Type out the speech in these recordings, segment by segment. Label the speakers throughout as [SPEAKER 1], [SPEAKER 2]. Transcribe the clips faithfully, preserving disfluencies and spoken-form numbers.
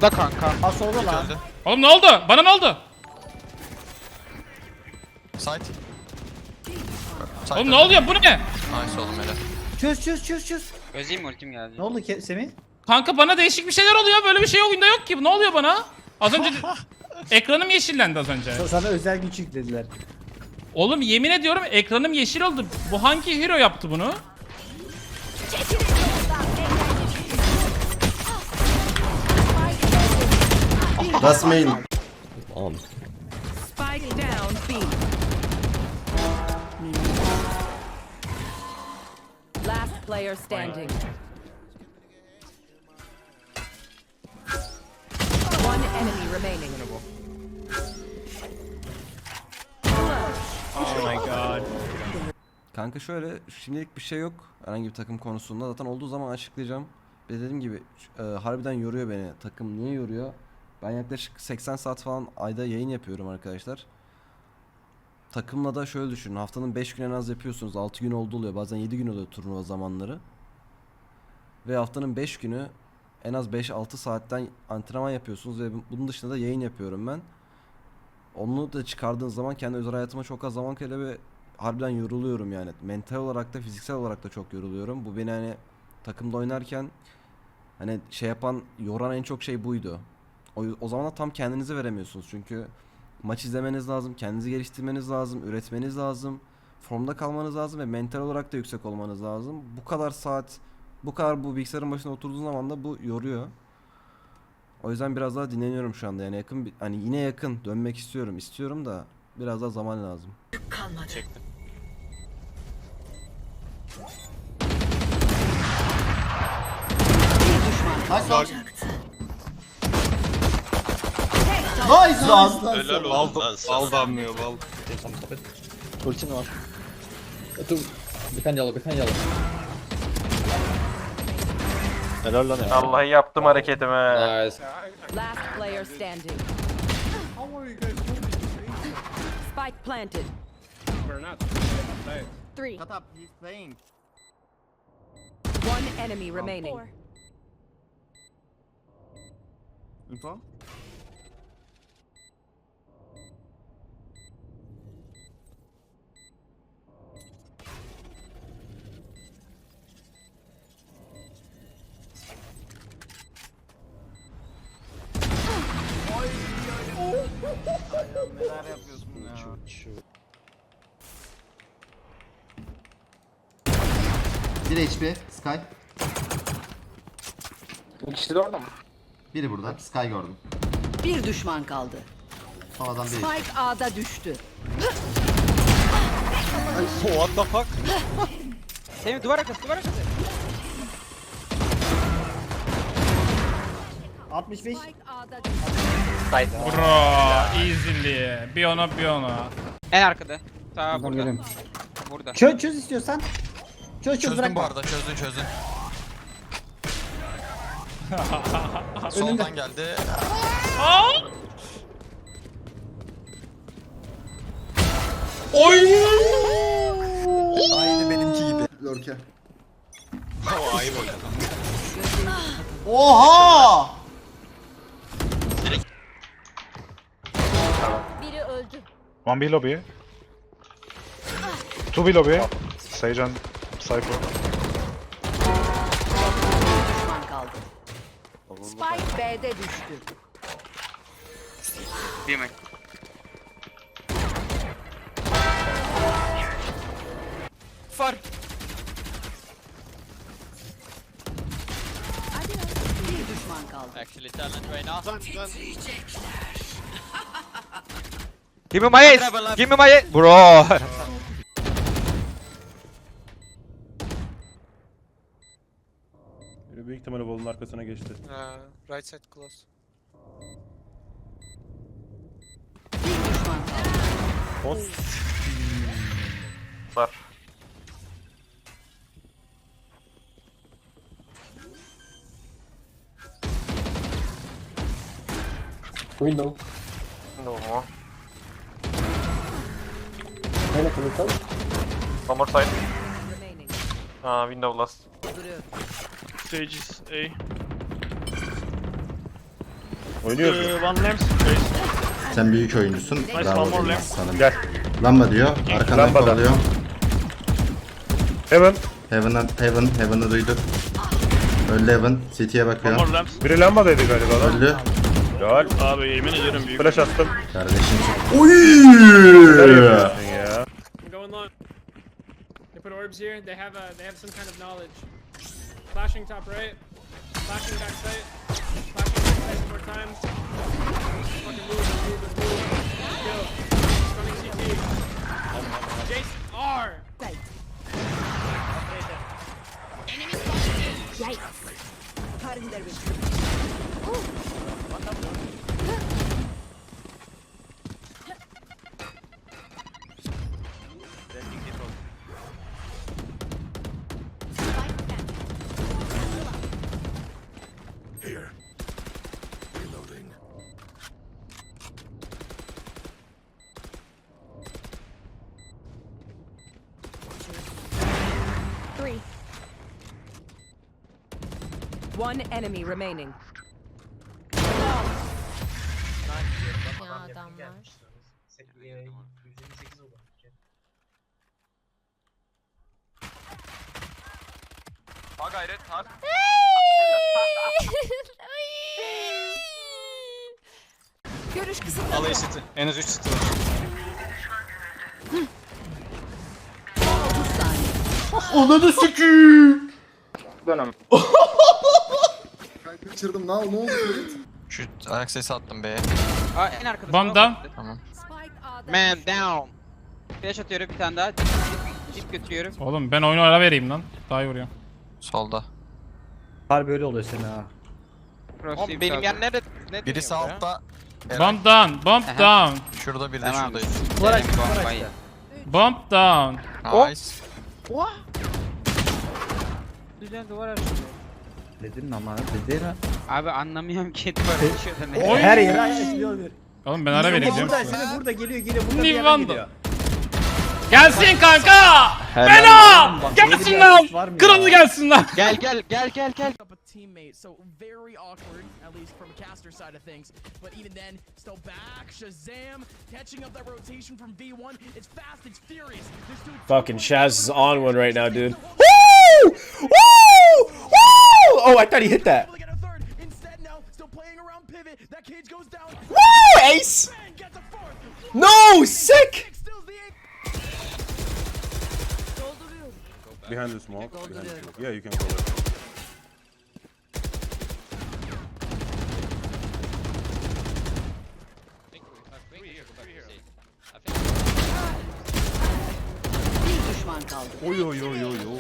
[SPEAKER 1] Solda kanka.
[SPEAKER 2] Ha solda lan.
[SPEAKER 3] Öldü.
[SPEAKER 4] Oğlum ne oldu? Bana ne oldu?
[SPEAKER 3] Side. Side
[SPEAKER 4] Oğlum ne
[SPEAKER 3] öldü.
[SPEAKER 4] oluyor? Bu ne?
[SPEAKER 3] Nice oğlum hele.
[SPEAKER 2] Çöz çöz çöz çöz.
[SPEAKER 5] Özeyim mi ultim geldi?
[SPEAKER 2] Ne oldu Ke- Semih?
[SPEAKER 4] Kanka bana değişik bir şeyler oluyor. Böyle bir şey oyunda yok ki. Ne oluyor bana? Az önce ekranım yeşillendi az önce.
[SPEAKER 2] Sa- Sana özel güç yüklediler.
[SPEAKER 4] Oğlum yemin ediyorum ekranım yeşil oldu. Bu hangi hero yaptı bunu?
[SPEAKER 6] That's main.
[SPEAKER 7] Spike down B. Last player standing. One enemy remaining.
[SPEAKER 6] Kanka şöyle, şimdilik bir şey yok herhangi bir takım konusunda. Zaten olduğu zaman açıklayacağım. Ve dediğim gibi e, harbiden yoruyor beni. Takım niye yoruyor? Ben yaklaşık seksen saat falan ayda yayın yapıyorum arkadaşlar. Takımla da şöyle düşünün. Haftanın beş gün en az yapıyorsunuz. altı gün oldu oluyor. Bazen yedi gün oluyor turnuva zamanları. Ve haftanın beş günü en az beş altı saatten antrenman yapıyorsunuz. Ve bunun dışında da yayın yapıyorum ben. Onu da çıkardığınız zaman kendi özel hayatıma çok az zaman kalıyor ve harbiden yoruluyorum yani. Mental olarak da fiziksel olarak da çok yoruluyorum. Bu beni hani takımda oynarken hani şey yapan, yoran en çok şey buydu. O, o zaman da tam kendinizi veremiyorsunuz çünkü maç izlemeniz lazım, kendinizi geliştirmeniz lazım, üretmeniz lazım, formda kalmanız lazım ve mental olarak da yüksek olmanız lazım. Bu kadar saat, bu kadar bu bilgisayarın başına oturduğun zaman da bu yoruyor. O yüzden biraz daha dinleniyorum şu anda yani yakın bir- hani yine yakın dönmek istiyorum, istiyorum da biraz daha zaman lazım.
[SPEAKER 3] Çektim.
[SPEAKER 6] Nice lan!
[SPEAKER 3] Helal olsun lan sana.
[SPEAKER 1] Bal damlıyor bal.
[SPEAKER 8] Ultin var. Two. Behind yellow, behind yellow.
[SPEAKER 1] Helal lan ya.
[SPEAKER 9] Vallahi yaptım hareketimi.
[SPEAKER 8] Nice.
[SPEAKER 7] Last player standing. Spike planted. Three.
[SPEAKER 2] Shut up, he's playing.
[SPEAKER 7] One enemy remaining.
[SPEAKER 2] Info. Neler yapıyorsun ya?
[SPEAKER 10] bir H P Sky.
[SPEAKER 1] İkisi de orada mı?
[SPEAKER 10] Biri burada. Sky gördüm.
[SPEAKER 7] Bir düşman kaldı.
[SPEAKER 10] Sonradan bir.
[SPEAKER 7] Spike A'da düştü.
[SPEAKER 1] What the fuck?
[SPEAKER 5] Semih duvar arkası duvar arkası.
[SPEAKER 2] altmış beş.
[SPEAKER 7] Spike A'da düştü.
[SPEAKER 4] Bro, easily. Bir ona bir ona.
[SPEAKER 5] En arkada. Ta burada. Burada.
[SPEAKER 2] Çöz çöz istiyorsan. Çöz çöz
[SPEAKER 3] Çözdüm
[SPEAKER 2] bırakma.
[SPEAKER 3] bu arada, çözdün çözdün. Soldan geldi.
[SPEAKER 4] Oy!
[SPEAKER 3] Aynı benimki gibi.
[SPEAKER 10] Lurke.
[SPEAKER 3] O ayıp oynadı.
[SPEAKER 10] Oha!
[SPEAKER 7] Biri öldü.
[SPEAKER 1] One B lobby. Two B lobby. Sage and Cypher.
[SPEAKER 7] Bir düşman kaldı. Spike B'de düştü.
[SPEAKER 5] Değil mi? Far.
[SPEAKER 7] Bir düşman kaldı.
[SPEAKER 5] Actually talent right now.
[SPEAKER 1] Give me my ace. Give me my ace. Bro.
[SPEAKER 9] Büyük ihtimalle bolun arkasına geçti.
[SPEAKER 5] Right side close.
[SPEAKER 7] Bir düşman kaldı.
[SPEAKER 9] Var.
[SPEAKER 8] Window.
[SPEAKER 9] No mu?
[SPEAKER 8] Neyle kılıçal?
[SPEAKER 9] One more side.
[SPEAKER 7] Remaining.
[SPEAKER 9] Aa, window last.
[SPEAKER 7] Duruyor.
[SPEAKER 9] Stage is A. Oynuyoruz. One lamp.
[SPEAKER 10] Sen büyük oyuncusun.
[SPEAKER 9] Nice,
[SPEAKER 10] Bravo
[SPEAKER 9] one more
[SPEAKER 10] benim
[SPEAKER 9] lamp.
[SPEAKER 10] aslanım.
[SPEAKER 9] Gel.
[SPEAKER 10] Lamba diyor. Arkandan
[SPEAKER 9] Lambada.
[SPEAKER 10] kovalıyor.
[SPEAKER 9] Heaven.
[SPEAKER 10] Heaven'dan Heaven. Heaven'ı duyduk. Öldü Heaven. City'ye bakıyor.
[SPEAKER 9] Biri lambadaydı galiba lan.
[SPEAKER 10] Öldü.
[SPEAKER 9] Gel. Abi yemin ederim büyük. Flash attım.
[SPEAKER 10] Kardeşim çok...
[SPEAKER 9] Neler yapıyorsun ya?
[SPEAKER 11] Going long. They put orbs here. They have a. They have some kind of knowledge. Flashing top right. Flashing back sight. Flashing back sight one more time. Fucking move, move, move. Kill. Running C T. Jace R.
[SPEAKER 7] Three. One enemy remaining.
[SPEAKER 5] Ha gayret ha.
[SPEAKER 7] Görüş kısıtlı.
[SPEAKER 3] Al eşiti. En az üç city var.
[SPEAKER 10] Ananı sikiyim.
[SPEAKER 2] Kaçırdım. Ne oldu? Ne oldu?
[SPEAKER 3] Şu ayak sesi attım B'ye.
[SPEAKER 5] Aa en arkada.
[SPEAKER 4] Bomb down.
[SPEAKER 3] Tamam.
[SPEAKER 7] Spike A'da.
[SPEAKER 5] Man down. Flash atıyorum bir tane daha. Dip götürüyorum.
[SPEAKER 4] Oğlum ben oyunu ara vereyim lan. Daha iyi vuruyor.
[SPEAKER 3] Solda.
[SPEAKER 8] Harbi öyle oluyor senin ha.
[SPEAKER 5] Oğlum benim yer nerede? Ne
[SPEAKER 3] Birisi
[SPEAKER 5] dönüyor ya?
[SPEAKER 3] altta.
[SPEAKER 4] Bomb down. Bomb
[SPEAKER 5] Aha.
[SPEAKER 4] down.
[SPEAKER 3] Şurada bir de
[SPEAKER 5] Tamam.
[SPEAKER 3] şuradayız.
[SPEAKER 8] Var
[SPEAKER 5] Benim
[SPEAKER 8] açtı, var
[SPEAKER 5] bombayı.
[SPEAKER 8] açtı.
[SPEAKER 4] Bomb down.
[SPEAKER 3] Nice.
[SPEAKER 5] Güzel duvar açıyor.
[SPEAKER 8] Dedin ama dedin ha.
[SPEAKER 5] Abi anlamıyorum ki duvar açıyor da ne?
[SPEAKER 4] Oy.
[SPEAKER 8] Her yere açılıyor bir.
[SPEAKER 4] Oğlum ben ara vereyim diyorum
[SPEAKER 8] Burada,
[SPEAKER 4] size.
[SPEAKER 8] seni burada geliyor geliyor burada bir yerden
[SPEAKER 4] Nivanda.
[SPEAKER 8] geliyor.
[SPEAKER 4] Gelsin kanka. Bela. Gelsin lan. Kralı gelsin lan.
[SPEAKER 5] Gel gel gel gel gel.
[SPEAKER 11] Up a teammate, so very awkward, at least from a caster side of things. But even then, still back, Shazam, catching up that rotation from V one. It's fast, it's furious. This dude
[SPEAKER 9] Fucking Shaz is on one right now, dude.
[SPEAKER 8] Woo! Woo! Woo! Oh, I thought he hit that.
[SPEAKER 11] able to get a third. Instead, now, still playing around pivot. That cage goes down.
[SPEAKER 8] Woo! Ace!
[SPEAKER 11] Man gets a fourth.
[SPEAKER 8] No! Sick!
[SPEAKER 11] Steals the eight.
[SPEAKER 9] Behind the smoke. Behind the smoke. Yeah, you can go there.
[SPEAKER 7] Bir düşman kaldı.
[SPEAKER 9] Oy oy oy oy oy.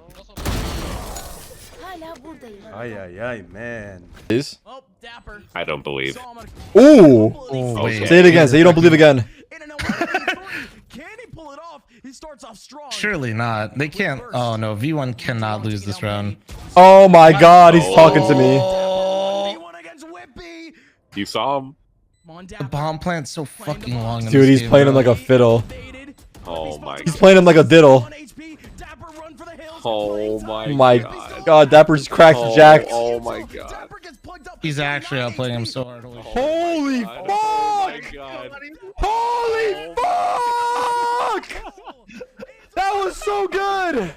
[SPEAKER 7] Hala buradayım.
[SPEAKER 9] Ay ay ay man.
[SPEAKER 11] Oh, Dapper.
[SPEAKER 9] I don't believe.
[SPEAKER 11] Saw him on a
[SPEAKER 8] Ooh!
[SPEAKER 11] couple of these-
[SPEAKER 8] Say it again. Say you don't believe again.
[SPEAKER 11] In an eleven v three. Can he pull it off? He starts off strong.
[SPEAKER 12] Surely not. They can't. Oh no, V one cannot lose this round.
[SPEAKER 8] Oh my god, he's talking to me.
[SPEAKER 11] V one against Whippy.
[SPEAKER 9] You saw him.
[SPEAKER 11] Come on,
[SPEAKER 12] The
[SPEAKER 11] Dapper.
[SPEAKER 12] bomb plant's so fucking long. in
[SPEAKER 8] Dude,
[SPEAKER 12] this
[SPEAKER 8] he's
[SPEAKER 12] game,
[SPEAKER 8] playing him
[SPEAKER 12] bro.
[SPEAKER 8] like a fiddle.
[SPEAKER 11] Faded.
[SPEAKER 9] Oh my
[SPEAKER 8] He's playing him like a diddle.
[SPEAKER 11] one H P. Dapper run for the hills.
[SPEAKER 9] Oh my
[SPEAKER 8] Oh my god, Dapper's cracked jacked.
[SPEAKER 9] Oh my god.
[SPEAKER 11] Dapper gets plugged up.
[SPEAKER 12] He's actually outplaying him so hard. Holy shit.
[SPEAKER 8] Holy
[SPEAKER 9] Oh
[SPEAKER 8] fuck!
[SPEAKER 9] my god.
[SPEAKER 8] Holy fuck! That was so good!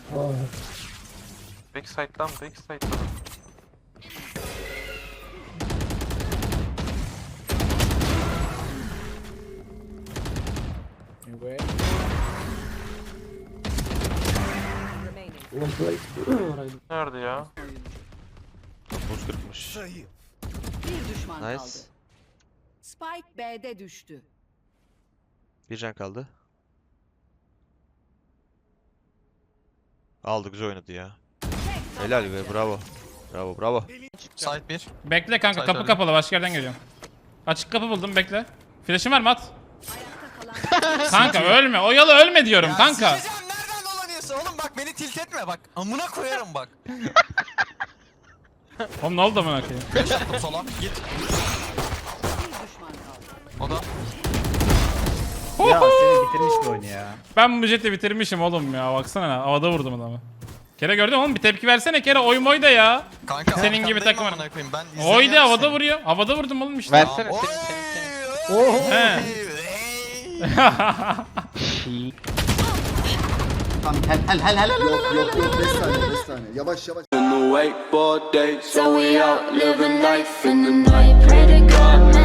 [SPEAKER 9] Big side'dan big side'dan.
[SPEAKER 7] Remaining.
[SPEAKER 9] Nerede ya?
[SPEAKER 1] Buz kırpmış.
[SPEAKER 7] Bir düşman
[SPEAKER 1] Nice.
[SPEAKER 7] kaldı. Spike B'de düştü.
[SPEAKER 1] Bir can kaldı. Aldı, güzel oynadı ya. Helal be, bravo. Bravo bravo.
[SPEAKER 3] Side bir.
[SPEAKER 4] Bekle kanka,
[SPEAKER 3] Sait
[SPEAKER 4] kapı
[SPEAKER 3] öyle.
[SPEAKER 4] kapalı, başka yerden geliyorum. Açık kapı buldum, bekle. Flash'ın var mı, at?
[SPEAKER 7] Ayakta kalan
[SPEAKER 4] Kanka ölme, oyalı ölme diyorum kanka.
[SPEAKER 3] Sikeceğim, nereden dolanıyorsun oğlum, bak beni tilt etme bak. Amına koyarım bak.
[SPEAKER 4] Oğlum ne oldu amına koyayım?
[SPEAKER 3] Flash attım sola. Git.
[SPEAKER 7] bir düşman kaldı.
[SPEAKER 3] O da.
[SPEAKER 8] Ya seni bitirmiş bu oyunu ya.
[SPEAKER 4] Ben bu jeti bitirmişim oğlum ya, baksana havada vurdum adamı. Kere gördün mü oğlum, bir tepki versene Kere, oy moy da ya.
[SPEAKER 3] Kanka
[SPEAKER 4] Senin gibi
[SPEAKER 3] arkandayım
[SPEAKER 4] takım-
[SPEAKER 3] amına koyayım, ben
[SPEAKER 4] Oydu
[SPEAKER 3] izlemiyorum
[SPEAKER 4] havada
[SPEAKER 3] seni.
[SPEAKER 4] vuruyor. Havada vurdum oğlum işte.
[SPEAKER 5] Versene
[SPEAKER 3] Oy!
[SPEAKER 5] senin senin senin.
[SPEAKER 4] He.
[SPEAKER 10] Tamam hel hel hel hel hel.
[SPEAKER 2] Yok yok yok beş saniye beş saniye. Yavaş yavaş.
[SPEAKER 7] So we out living life in the night. Pray to God.